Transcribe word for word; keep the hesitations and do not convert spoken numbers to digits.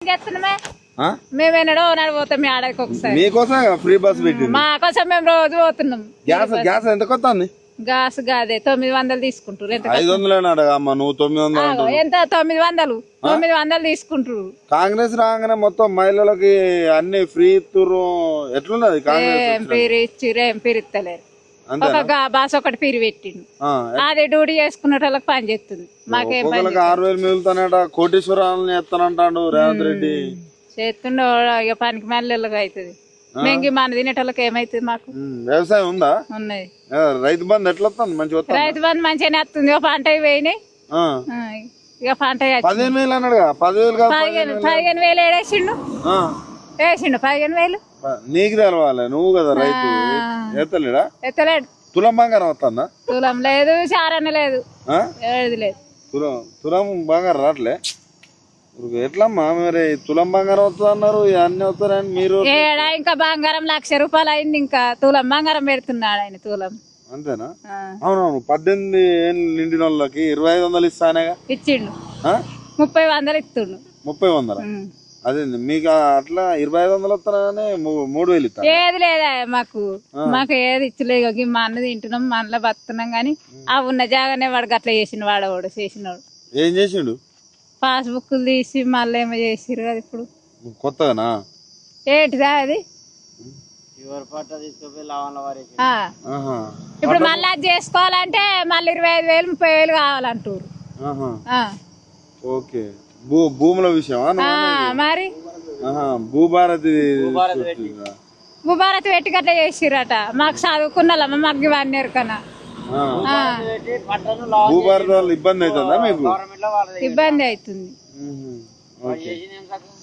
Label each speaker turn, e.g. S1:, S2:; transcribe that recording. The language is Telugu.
S1: చేస్తున్నామే మేము ఎన్నడో నాడు పోతాం మీ ఆడకి ఒకసారి
S2: మీకోసం ఫ్రీ బస్ పెట్టి
S1: మా కోసం మేము రోజు పోతున్నాం.
S2: గ్యాస్ గ్యాస్ ఎంత కొత్త
S1: గ్యాస్ కాదే తొమ్మిది వందలు తీసుకుంటారు.
S2: ఐదు వందలు అమ్మ నువ్వు తొమ్మిది వందలు
S1: ఎంత తొమ్మిది వందలు తొమ్మిది వందలు తీసుకుంటారు.
S2: కాంగ్రెస్ రాగానే మొత్తం మహిళలకి అన్ని ఫ్రీ ఇస్తురు ఎట్లున్నది
S1: ఏం పీరి ఇచ్చిరు ఏం పీరిస్తలేరు. ఒక బాస్ ఒకటి పీరి పెట్టిండు అది డ్యూటీ చేసుకున్న వాళ్ళకి పని చేస్తుంది. మాకేం
S2: ఆరు వేలు మిగులుతానట కోటేశ్వరాలని ఎత్తానంటాడు రేవంత్ రెడ్డి.
S1: చేస్తుండో ఇక పనికి మళ్ళీగా అవుతుంది. మేము మన తినేటోళ్ళకి ఏమైతుంది మాకు.
S2: వ్యవసాయం ఉందా?
S1: ఉన్నది.
S2: రైతు బంధు ఎట్లా వస్తుంది? మంచిగా
S1: రైతు బంధు మంచిగానే వస్తుంది. ఒక పంట పోయినాయి ఇక పంట
S2: పదిహేను వేలు అన్నాడు పదివేలు
S1: పదిహేను పదిహేను వేలు ఏడేసిండు వేసిండు పదిహేను వేలు.
S2: నీకు తెలవాలి నువ్వు కదా రైతు ఎత్తలేడా?
S1: ఎత్తలేడు.
S2: తులం బంగారం వస్తుందా?
S1: తులం లేదు చారణ లేదు ఏది లేదు.
S2: తులం తులం బంగారం రావట్లే ఎట్లమ్మా మరి? తులం బంగారం వస్తుంది అన్నారు అన్ని వస్తారని మీరు
S1: ఏడా ఇంకా బంగారం లక్ష రూపాయలు అయింది. ఇంకా తులం బంగారం పెడుతున్నాడు ఆయన తులం.
S2: అంతేనా? అవునవును పద్దెనిమిది ఏళ్ళు నిండిన వాళ్ళకి ఇరవై ఐదు వందలు ఇస్తానేగా
S1: ఇచ్చిండు. ముప్పై వందలు ఇస్తుండు.
S2: ముప్పై వందలు అదే మీకు అట్లా ఇరవై ఐదు వందలు వస్తానే మూడు వేలు ఇస్తా.
S1: ఏది లేదా మాకు మాకు ఏది ఇచ్చలేదు. మా అన్న తింటున్నాం మనలో బతున్నాం గానీ ఆ ఉన్న జాగానే వాడు అట్లా చేసిన వాడవాడు చేసినవాడు.
S2: ఏం చేసిండు?
S1: పాస్బుక్ తీసి మళ్ళీ ఏమో చేసిరు కదా ఇప్పుడు
S2: కొత్తగానా?
S1: ఏంటిదా అది? ఇప్పుడు మళ్ళీ అది చేసుకోవాలంటే మళ్ళీ ఇరవై ఐదు వేలు ముప్పై వేలు కావాలంటారు.
S2: ఓకే భూముల విషయమా
S1: మరి?
S2: భూభారతి
S1: భూభారతి పెట్టి గట్లా చేసిరట. మాకు చదువుకున్నాలమ్మ మాకు ఇవన్నీ ఎరకనా.
S2: భూభారతి వల్ల ఇబ్బంది అవుతుందా మీకు?
S1: ఇబ్బంది అవుతుంది.